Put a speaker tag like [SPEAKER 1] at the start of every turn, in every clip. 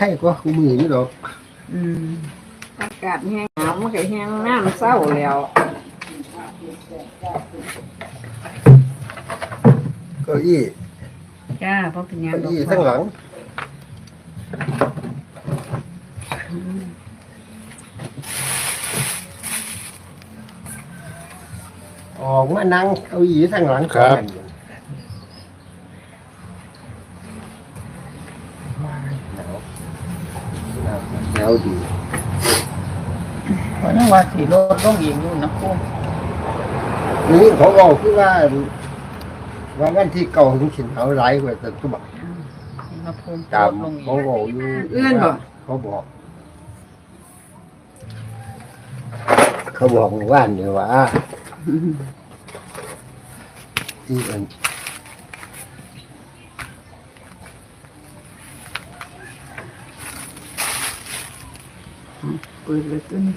[SPEAKER 1] ข่ก็คู่มือนี่ดอก
[SPEAKER 2] อากาศแห้งหนาวมันก็แห้งน้ำเศร้าแล้ว
[SPEAKER 1] เก้าอี้
[SPEAKER 2] จ้าเพราะเป็นยัง
[SPEAKER 1] เก้าอี้ทั้งหลังออกมานั่งเก้าอี้ทั้งหลังครับหนาวดี
[SPEAKER 3] วันนั้นว่าสีรถต้องยิงอยู่นะคุณ
[SPEAKER 1] นี่เขาบอกคือว่าวันที่เก่าถึงสินหนาวหลายกว่าแต่ทุกบัก
[SPEAKER 3] มาพูน
[SPEAKER 1] ตามเขาบอกอยู่
[SPEAKER 2] เอื้อนบอก
[SPEAKER 1] เขาบอกว่านเนี่ยว่าที่อัน
[SPEAKER 2] เปิดเลยตัวนี้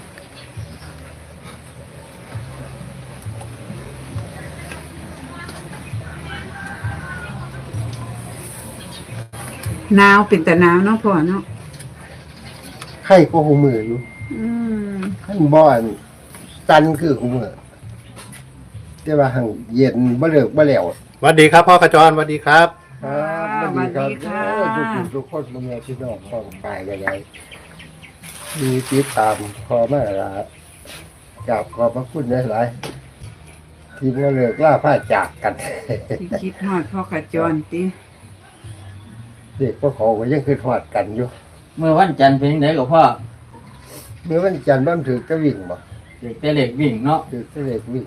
[SPEAKER 2] หนาวเป็นแต่หนาวเนาะพ่อเนาะ
[SPEAKER 1] ไข่ก็หูมืออยู่ขั้นบ่อนตันคือหูมือแต่ว่าหังเย็นบ่เลิกบ่แล้ว
[SPEAKER 4] สวัสดีครับพ่อกระจรสวัสดีครับ
[SPEAKER 1] สวัสดีครับทุกคนมึงเนี่ยที่น้องฟังไปกันเลยมีติดตามพอมาละกับขอบพระคุณหลายๆที่บ่เลิกล่าผ้าจากกัน
[SPEAKER 2] ที่คิดฮอดพ่อกระจรติ
[SPEAKER 1] เด็กก็เขาก็ยังคือทอดกันอยู่
[SPEAKER 3] เมื่อวันจันทร์เป็นยังไงกับพ่อ
[SPEAKER 1] เมื่อวันจันทร์บ้านถือก็วิ่งบ่
[SPEAKER 3] เด็กแต่เล็กวิ่งเนาะ
[SPEAKER 1] ถือแต่เล็กวิ่ง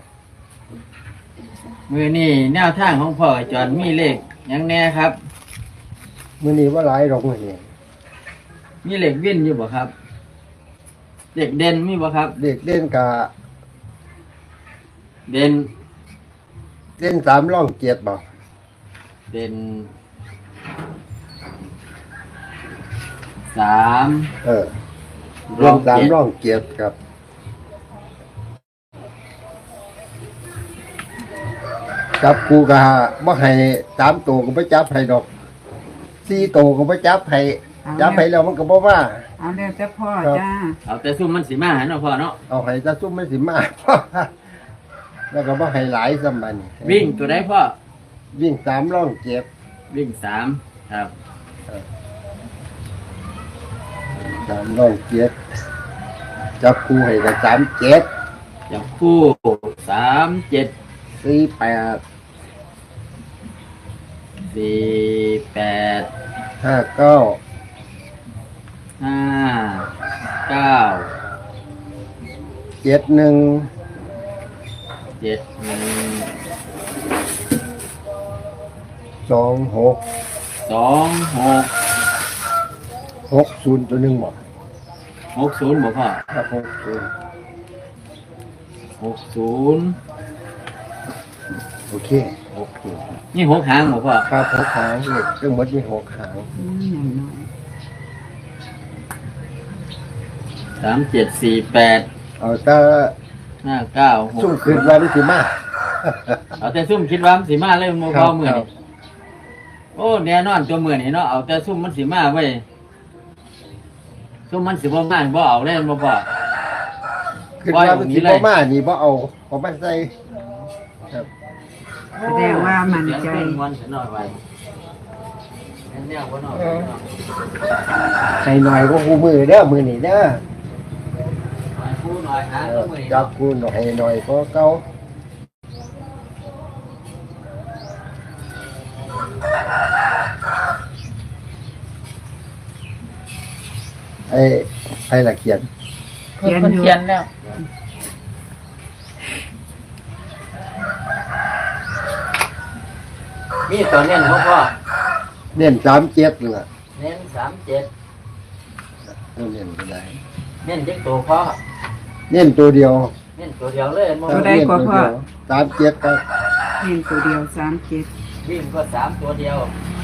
[SPEAKER 3] มือนี่แนวทางของพ่อกระจรมีเลขยังแน่ครับ
[SPEAKER 1] มื้อนี้ว่าหลายดอกมื้อนี้
[SPEAKER 3] มีเลขวิ่นอยู่บ่ครับเด็กเด่นมีบ่ครับ
[SPEAKER 1] เด็กเล่นกะ
[SPEAKER 3] เด่น
[SPEAKER 1] 3ร่องเกียรติบ่
[SPEAKER 3] เด่น3
[SPEAKER 1] รวม3ร่องเกียรติครับจับกูก็บ่ให้3ตัวก็บ่จับให้ดอก4ตัวก็บ่จับให้จับให้แล้วมันก็บ่ว่า
[SPEAKER 2] เอาแล้วแต่พ่อจ้า
[SPEAKER 3] เอาแต่ซุ่มมันสิมาเนาะพ่อเนาะ
[SPEAKER 1] เอาให้ตาซุ่มมันสิมาแล้วก็บ่ให้หลายซ้ำบัดนี้
[SPEAKER 3] วิ่งตัวใดพ่อ
[SPEAKER 1] วิ่ง3ร่องเกียรติ
[SPEAKER 3] วิ่ง3ครับ
[SPEAKER 1] 3ร่องเกียรติจับกูให้ก็37
[SPEAKER 3] จับคู่37
[SPEAKER 1] 48 59 71 26 60ตัวนึงบ่
[SPEAKER 3] 60บ่พ่อ
[SPEAKER 1] ครับ
[SPEAKER 3] 60
[SPEAKER 1] โอเค
[SPEAKER 3] นี่6หางบ่พ่อ
[SPEAKER 1] ครับ6หางเลขทั้งหมดมี6หาง
[SPEAKER 3] 3748
[SPEAKER 1] เอาแต่
[SPEAKER 3] 59
[SPEAKER 1] ซุ่มคืนว่านี่สิมา
[SPEAKER 3] เอาแต่ซุ่มคิดว่ามันสิมาเลยมันบ่พอมื้อนี้โอ้แน่นอนตัวมื้อนี้เนาะเอาแต่ซุ่มมันสิมาไว้ซุ่มมันสิบ่มาบ่เอาเลยบ่พอ
[SPEAKER 1] คือว่ามันสิบ่มานี่บ่เอามาใส่ครับ
[SPEAKER 2] แสดงว่ามันใจ
[SPEAKER 1] ใส่หน่อยก็คู่มือเด้อมือนี่เด้อจับกูหน่อยก็เก่าไอ้ละเขียน
[SPEAKER 3] แล้วมีตัวเน้นของพ่อ
[SPEAKER 1] เน้น37นี่ล่ะ
[SPEAKER 3] เน้น37
[SPEAKER 1] เน้นก็ได้
[SPEAKER 3] เน้นจักตัวพ่อ
[SPEAKER 1] เน้นตัวเดียว
[SPEAKER 3] เน้นตัวเดียวเลย
[SPEAKER 2] ตัวใดกว่าพ่อ
[SPEAKER 1] 37ครับ
[SPEAKER 2] เน้นตัวเดียว37
[SPEAKER 3] วิ่งก็3ตัวเดียว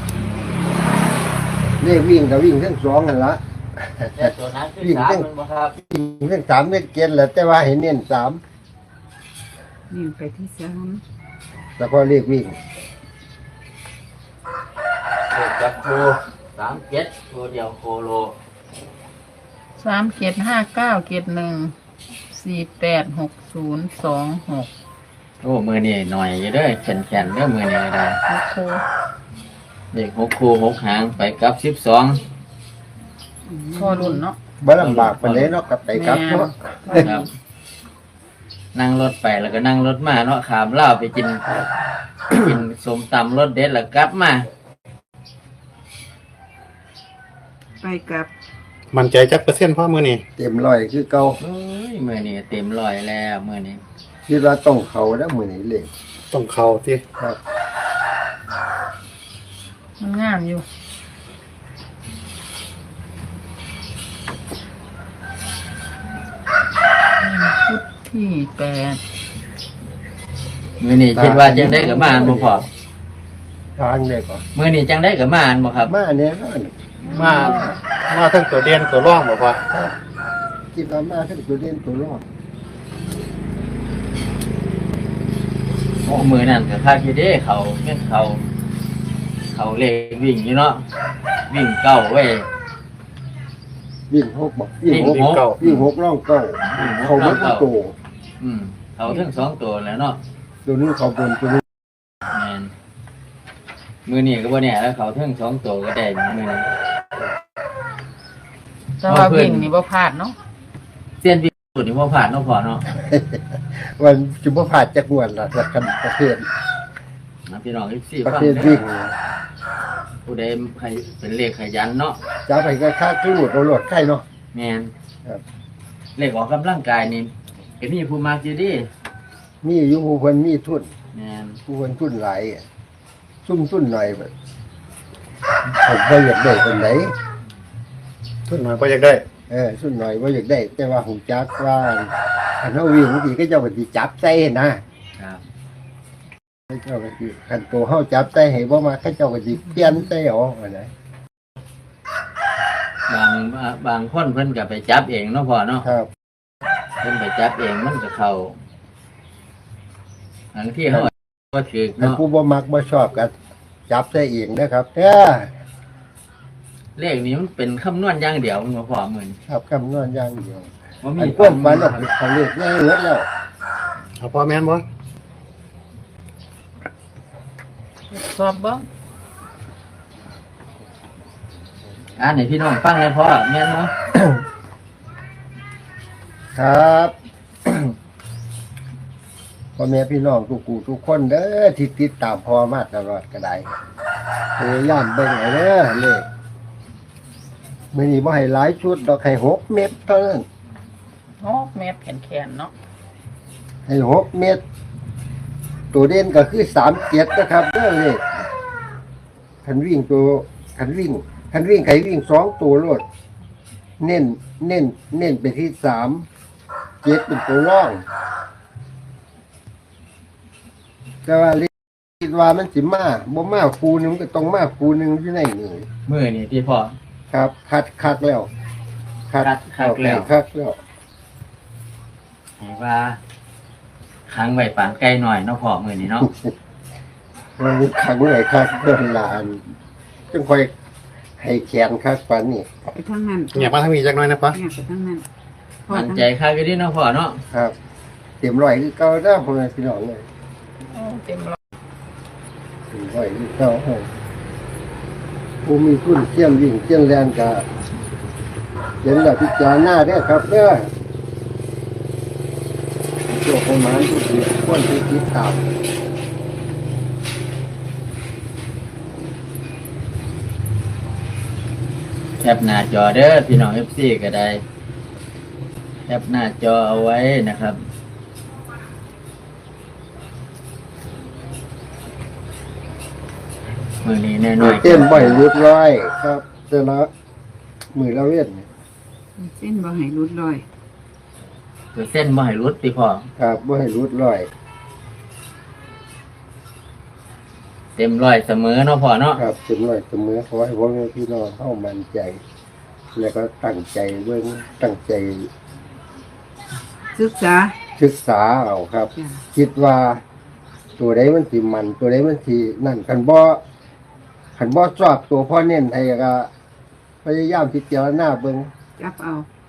[SPEAKER 1] เลขวิ่งก็วิ่งทั้ง2นั่นล่ะ
[SPEAKER 3] แต่ตัวนั้นคือ3มันบ่ครับ
[SPEAKER 1] วิ่งทั้ง3เลขเกียรติแหละแต่ว่าให้เน้น3
[SPEAKER 2] นี่ไปที่3
[SPEAKER 1] แล้วก็เลขวิ่ง
[SPEAKER 3] จับคู่ 37ตัวเดียวโคโล
[SPEAKER 5] 375971486026
[SPEAKER 3] โอ้มือนี่หน่อยอยู่เด้อแข็งๆเด้อมือนี่ก็ได้
[SPEAKER 5] โอ้โห
[SPEAKER 3] เด็ก6คู่6หางไปกับ12
[SPEAKER 5] พอรุ่นเนาะ
[SPEAKER 1] บ่ลำบากปานใดเนาะกับไปครับเนาะ
[SPEAKER 3] ครับ นั่งรถไปแล้วก็นั่งรถมาเนาะขามลาวไปกิน กินส้มตำรสเด็ดแล้วกลับมา
[SPEAKER 2] ไปกับ
[SPEAKER 4] มั่นใจจักเปอร์เซ็นต์พ่อมือนี่
[SPEAKER 1] เต็มร้อยคือเก่า
[SPEAKER 3] เอ้ยมื้อนี้เต็มร้อยแล้วมื้อนี้
[SPEAKER 1] คิดว่าต้องเข้าแล้วมื้อนี้เลย
[SPEAKER 4] ต้องเข้าที่
[SPEAKER 1] ครับ
[SPEAKER 5] มันงามอยู่ชุดที่8
[SPEAKER 3] มื้อนี้คิดว่าจังได้กับมาอันบ่พอ
[SPEAKER 1] ทางได้ก่อน
[SPEAKER 3] มื้อนี้จังได้กับมาอันบ่ครับ
[SPEAKER 1] มาแน่นอน
[SPEAKER 4] มาทั้งตัวเด่นตัวร่องบอกว่า
[SPEAKER 1] คิดว่ามาทั้งตัวเด่นตัวรอด
[SPEAKER 3] โอ้มื้อนั้นก็คักอยู่เด้เขาแม่นเขาเลขวิ่งอยู่เนาะวิ่งเก้าเว้ย
[SPEAKER 1] วิ่งหกบอกวิ่งหก
[SPEAKER 3] วิ่งหก
[SPEAKER 1] วิ่งหกร่องเก้าเขาไม่ต้องโต
[SPEAKER 3] เขาทั้งสองตัวแล้วเนาะ
[SPEAKER 1] ตัวนี้เขาบนตัวนี้
[SPEAKER 3] แม่นมื้อนี้ก็บ่แน่แล้วเขาทั้งสองตัวก็ได้มื้อนี้
[SPEAKER 5] แต่ว่าวิ่งนี่บ่พลาดเนาะ
[SPEAKER 3] เส้นวิ่งสุดนี่บ่ผ่านเนาะพอเนาะ
[SPEAKER 1] วันจุบผ่านจะกวนละสักกันประเภท
[SPEAKER 3] นะพี่น้อง14
[SPEAKER 1] ประ
[SPEAKER 3] ฟัง
[SPEAKER 1] เภทวิ่ง
[SPEAKER 3] ผู้ใดใครเป็นเลขขยันเนาะ
[SPEAKER 1] จะไปก็ค่าขึ้นหลุดหลดไข่เนาะ
[SPEAKER 3] แม่น
[SPEAKER 1] ครับ
[SPEAKER 3] เลขออกกำลังกายนี่ก็มีผู้มักอยู่ดิ
[SPEAKER 1] มีอยู่ผู้คนมีทุน
[SPEAKER 3] แม่น
[SPEAKER 1] ผู้คนทุนหลายอะซุ่มทุนหน่อยแบบผมไม่อยากได้คนไหน
[SPEAKER 4] ทุนหน่อยก็อยากได้
[SPEAKER 1] ทุนหน่อยไม่อยากได้ แต่ว่าหูจักว่าขันเอาวิ่งบางทีก็เจ้าปฏิจับใจนะครับ เจ้าปฏิขันตัวเข้าจับใจให้บ่มาข้าเจ้าปฏิเปลี่ยนใจเอาอะไร
[SPEAKER 3] บางคนเพิ่นก็ไปจับเองเนาะพ่อเนาะ
[SPEAKER 1] ครับ
[SPEAKER 3] เพิ่นไปจับเองมันก็เข้าอันที่เขาบ่ถือ
[SPEAKER 1] ขัน
[SPEAKER 3] เนาะ
[SPEAKER 1] ผู้บ่มักบ่ชอบกันจับใจเองนะครับ
[SPEAKER 3] เลขนี้มันเป็นคำนวณอย่างเดียวมันบ่พอมื้อนี้
[SPEAKER 1] ครับคำนวณอย่างเดียว
[SPEAKER 3] บ่
[SPEAKER 1] อั
[SPEAKER 3] มี
[SPEAKER 1] นก้มฟันออกเขาเรียกง่ายเลือดแล้ว
[SPEAKER 4] เอาพ่อแม่นบ่
[SPEAKER 5] สอบบ่
[SPEAKER 3] อ่านให้พี่น้องฟังเลยพ่อแม่นเนาะ
[SPEAKER 1] ครับ พ่อแม่พี่น้องทุกคนเด้อที่ติดตามพ่อมาตลอดก็ได้พยายามเบิ่งเอาเด้อเลขมื้อนี้บ่ให้หลายชุดดอกให้6เม็ดเท่านั้น
[SPEAKER 5] 6 เมตรแขนๆเนาะ
[SPEAKER 1] ให้6เม็ดตัวเด่นก็คือ37นะครับเด้อเลขคันวิ่งใครวิ่ง2ตัวโลดเน้นไปที่3 7เป็นตัวร่องแต่ว่าเลขคิดว่ามันสิมาบ่มาคูนึงมันก็ต้องมาคูนึงอยู่ในนี่
[SPEAKER 3] มื้อนี้ที่พ่อ
[SPEAKER 1] ครับคัดแล้ว
[SPEAKER 3] คัดแล้ว
[SPEAKER 1] คัดแล้ว
[SPEAKER 3] ให้ว่าค้างไว้ปานไกลหน่อยเนาะพ่อมื้อนี้เนาะ
[SPEAKER 1] มันมีขังเลยคัดเพิ่นลานจึงค่อยให้แขนคัดปันนี่
[SPEAKER 2] ไปทั้งนั้น
[SPEAKER 4] อยากมาทางนี้จักหน่อยนะพ่อ
[SPEAKER 2] เนี่ยไปทั้งนั้นพ่อ
[SPEAKER 3] มั่น
[SPEAKER 2] ทั้ง
[SPEAKER 3] ใจคักอยู่ดิเนาะพ่อเนาะ
[SPEAKER 1] ครับ เต็มร้อยคือเก่าเด้อพ่อแม่พี่น้องเลย
[SPEAKER 5] โอ้เต็มร้อย
[SPEAKER 1] เต็มร้อยคือเก่าผู้มีทุนเที่ยงวิ่งเที่ยงแรงก็เห็นแล้วพิจารณาเด้อครับเด้อโชคประมาณทุกทีคนที่ติดตาม
[SPEAKER 3] แคปหน้าจอเด้อพี่น้อง FC ก็ได้แคปหน้าจอเอาไว้นะครับมื้อนี้น้อยๆ
[SPEAKER 1] เต้นบ่อยรุดร้อยครับแต่ละมือละเว้น
[SPEAKER 2] เส้นบ่ให้รุดลอย
[SPEAKER 3] เส้นบ่ให้รุดติพ่อ
[SPEAKER 1] ครับบ่ให้รุดร้อย
[SPEAKER 3] เต็มร้อยเสมอเนาะพ่อเนาะ
[SPEAKER 1] ครับเต็มร้อยเสมอขอให้พ่อแม่พี่น้องเข้ามั่นใจ แล้วก็ตั้งใจเบิ่งตั้งใจ
[SPEAKER 2] ศึกษา
[SPEAKER 1] ศึกษาเอาครับ
[SPEAKER 2] จ้ะ
[SPEAKER 1] คิดว่าตัวใดมันสิมันตัวใดมันสินั่นกันบ่ขันบ่ชอบตัวพ่อเน้นให้ก็พยายามพิจารณาเบิ่ง
[SPEAKER 2] จับเอา